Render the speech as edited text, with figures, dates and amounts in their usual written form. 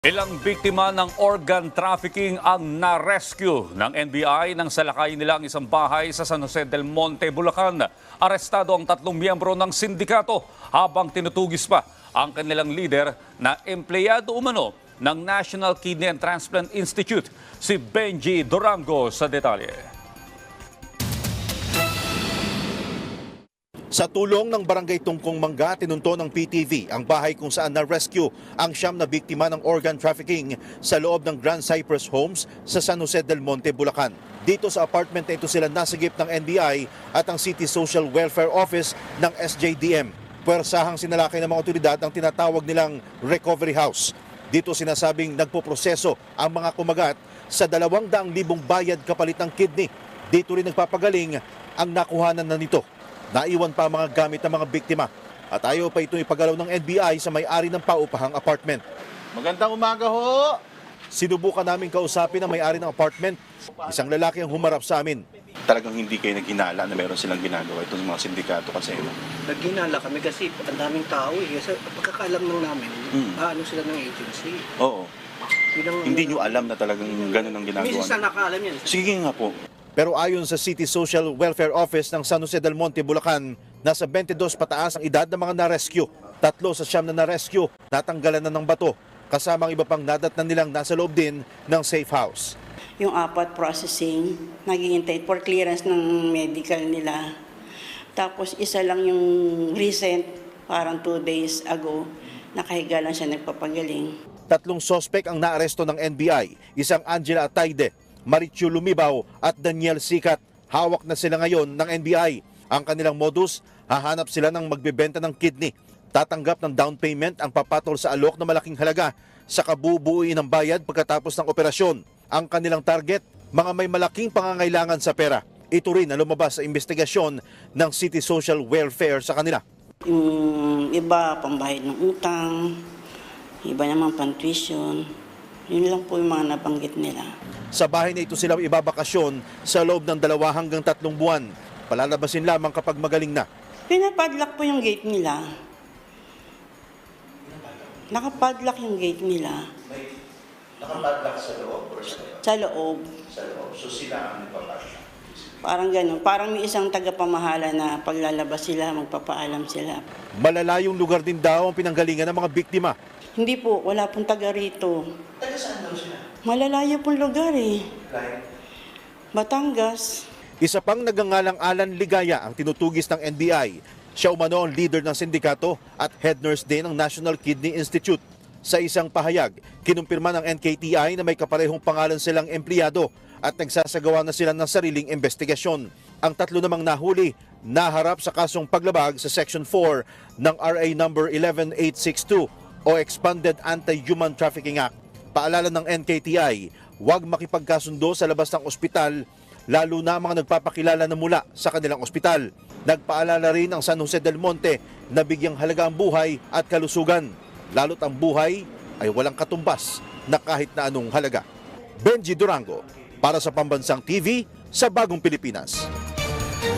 Ilang biktima ng organ trafficking ang na-rescue ng NBI nang salakayin nila ang isang bahay sa San Jose del Monte, Bulacan. Arestado ang 3 miyembro ng sindikato habang tinutugis pa ang kanilang leader na empleyado umano ng National Kidney and Transplant Institute, si Benji Durango sa detalye. Sa tulong ng Barangay Tungkong Mangga, tinunto ng PTV ang bahay kung saan na-rescue ang 9 na biktima ng organ trafficking sa loob ng Grand Cypress Homes sa San Jose del Monte, Bulacan. Dito sa apartment na ito sila nasagip ng NBI at ang City Social Welfare Office ng SJDM. Puwersahang sinalakay ng mga otoridad ang tinatawag nilang recovery house. Dito sinasabing nagpoproseso ang mga kumagat sa 200,000 bayad kapalit ng kidney. Dito rin nagpapagaling ang nakuhanan na nito. Naiwan pa ang mga gamit ng mga biktima at ayaw pa itong ipagalaw ng NBI sa may-ari ng paupahang apartment. Magandang umaga ho! Sinubukan namin kausapin ang may-ari ng apartment. Isang lalaki ang humarap sa amin. Talagang hindi kayo naghinala na meron silang ginagawa itong mga sindikato kasi. Naghinala kami kasi ang daming tao eh. Kasi pagkakaalam lang namin, ano sila ng agency. Oo. Hindi nyo alam na talagang ganun ang ginagawa. Minsan nakaalam yan. Sige nga po. Pero ayon sa City Social Welfare Office ng San Jose del Monte, Bulacan, nasa 22 pataas ang edad ng mga na-rescue. 3 sa 9 na na-rescue, natanggalan na ng bato, kasama ang iba pang nadatnan nilang nasa loob din ng safe house. Yung 4 processing, naghihintay for clearance ng medical nila. Tapos isa lang yung recent, parang 2 days ago, nakahiga lang siya nagpapagaling. 3 sospek ang naaresto ng NBI, isang Angela Atayde, Marichu Lumibaw at Daniel Sikat. Hawak na sila ngayon ng NBI. Ang kanilang modus, hahanap sila ng magbebenta ng kidney. Tatanggap ng down payment ang papatol sa alok na malaking halaga sa kabubuuin ng bayad pagkatapos ng operasyon. Ang kanilang target, mga may malaking pangangailangan sa pera. Ito rin ang lumabas sa investigasyon ng City Social Welfare sa kanila. Yung iba, pambayad ng utang, iba naman pang-tuition. Yun lang po yung mga nabanggit nila. Sa bahay na ito sila ibabakasyon sa loob ng 2 hanggang 3 buwan. Palalabasin lamang kapag magaling na. Pinapadlock po yung gate nila. Nakapadlock yung gate nila. Nakapadlock sa loob or sa loob? Sa loob. Sa loob. So sila ang nagpapadlock? Parang ganun. Parang may isang tagapamahala na paglalabas sila, magpapaalam sila. Malalayong lugar din daw ang pinanggalingan ng mga biktima. Hindi po, wala pong taga rito. Taga saan daw sila? Malalayo pong lugar eh. Like? Batangas. Isa pang nagangalang Alan Ligaya ang tinutugis ng NBI. Siya umano ang leader ng sindikato at head nurse din ng National Kidney Institute. Sa isang pahayag, kinumpirma ng NKTI na may kaparehong pangalan silang empleyado at nagsasagawa na sila ng sariling investigasyon. Ang 3 namang nahuli, naharap sa kasong paglabag sa Section 4 ng RA number 11862 o Expanded Anti-Human Trafficking Act. Paalala ng NKTI, huwag makipagkasundo sa labas ng ospital, lalo na mga nagpapakilala na mula sa kanilang ospital. Nagpaalala rin ang San Jose del Monte na bigyang halaga ang buhay at kalusugan, lalo't ang buhay ay walang katumbas na kahit na anong halaga. Benji Durango, para sa Pambansang TV sa Bagong Pilipinas.